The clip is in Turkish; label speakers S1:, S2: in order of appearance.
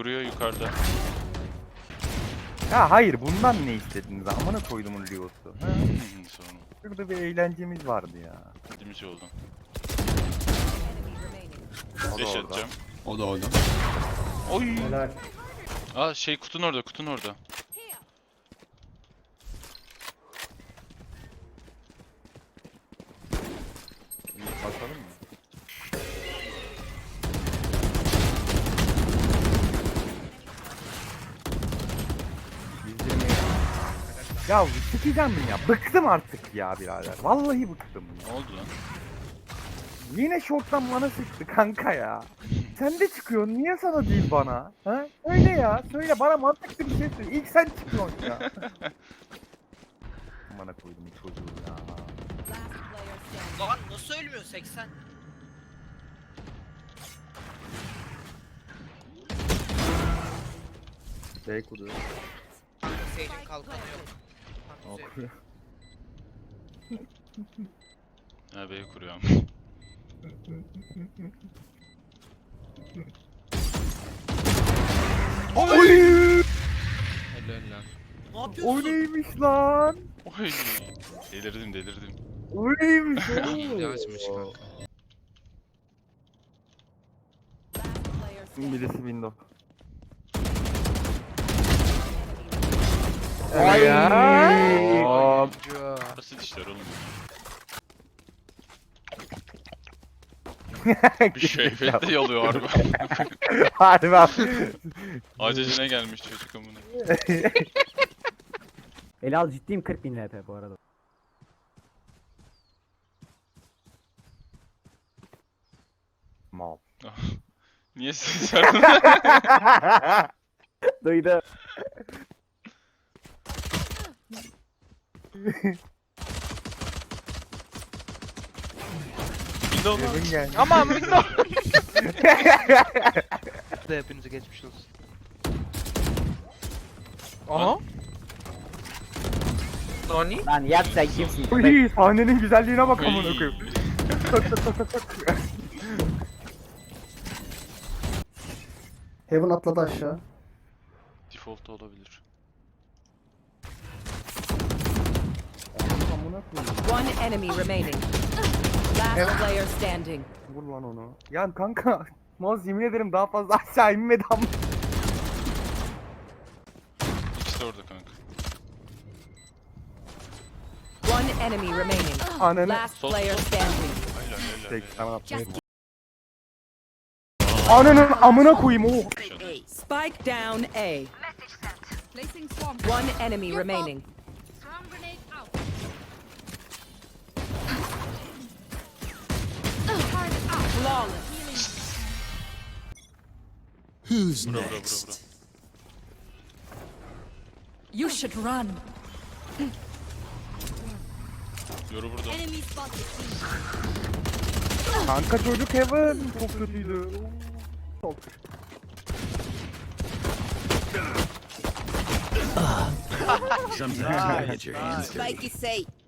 S1: Kuruyor yukarıda.
S2: Ya hayır bundan ne istediniz? Amına koydumun Leo'su.
S1: Sonra.
S2: Şurada bir eğlencemiz vardı ya.
S1: Dediğimiz oldu.
S2: O da
S1: Deş
S2: orada.
S1: atacağım.
S3: O da orada.
S1: Oy.
S4: Helal.
S1: Aa şey kutun orada, kutun orada.
S2: Bir bakalım mı? Yüzlerini... Ya çıkacağım ya. Bıktım artık ya birader. Vallahi bıktım ya.
S1: Ne oldu lan?
S2: Yine şorttan bana sıktı kanka ya. Sen de çıkıyorsun. Niye sana değil bana? Ha? Öyle ya. Söyle bana mantıklı bir şey söyle. İlk sen çıkıyorsun ya. Bana koydum çocuğu ya.
S5: Lan nasıl ölmüyor 80?
S2: B kuruyor.
S5: Sage'in kalkanı yok.
S2: Okuyor.
S1: Ha B'yi kuruyorum.
S2: Oy!
S3: Helal lan.
S5: Ne
S2: O
S5: yapıyorsun?
S2: neymiş lan?
S1: Oy. Delirdim delirdim.
S2: O neymiş
S3: İyi
S2: oğlum?
S3: açmış kanka.
S2: Birisi window.
S3: Ay.
S2: ya.
S1: Basit işler oğlum. Bir şey efekt de yalıyor harbi.
S2: Harbi abi.
S1: Acecine gelmiş çocuk amına.
S4: Elal ciddiyim 40.000 LP bu arada.
S2: Mal.
S1: Niye ses verdin?
S4: Duydu.
S1: Windows lan.
S2: Kevin geldi.
S1: Aman Windows.
S6: Da hepinize geçmiş olsun.
S1: Aha.
S6: Nani?
S4: Lan yat sen kimsin?
S2: Uy, sahnenin güzelliğine bak amına
S1: Oy.
S2: koyayım.
S7: Heaven atladı aşağı.
S1: Default da olabilir.
S2: Amına koyayım.
S8: One enemy remaining. Last player standing.
S2: Vur lan onu. Ya kanka. Moz yemin ederim daha fazla aşağı inmedi ama.
S1: İkisi de orada kanka.
S8: One enemy remaining.
S2: Ananı.
S8: Last
S1: Sol,
S8: player
S1: sol.
S8: standing.
S1: Helal helal.
S2: Tek
S1: helal.
S2: sana atmayayım. Ananın amına koyayım o.
S8: Spike down A.
S9: Placing swarm.
S8: One enemy remaining.
S9: Swarm grenade out. Target out.
S8: Flawless.
S3: Who's
S1: Bura bura bura bura.
S8: You should run.
S1: Yoru burada.
S9: Enemy spotted.
S2: Kanka çocuk Heaven. Çok kötüydü. Çok.
S9: Spike is safe.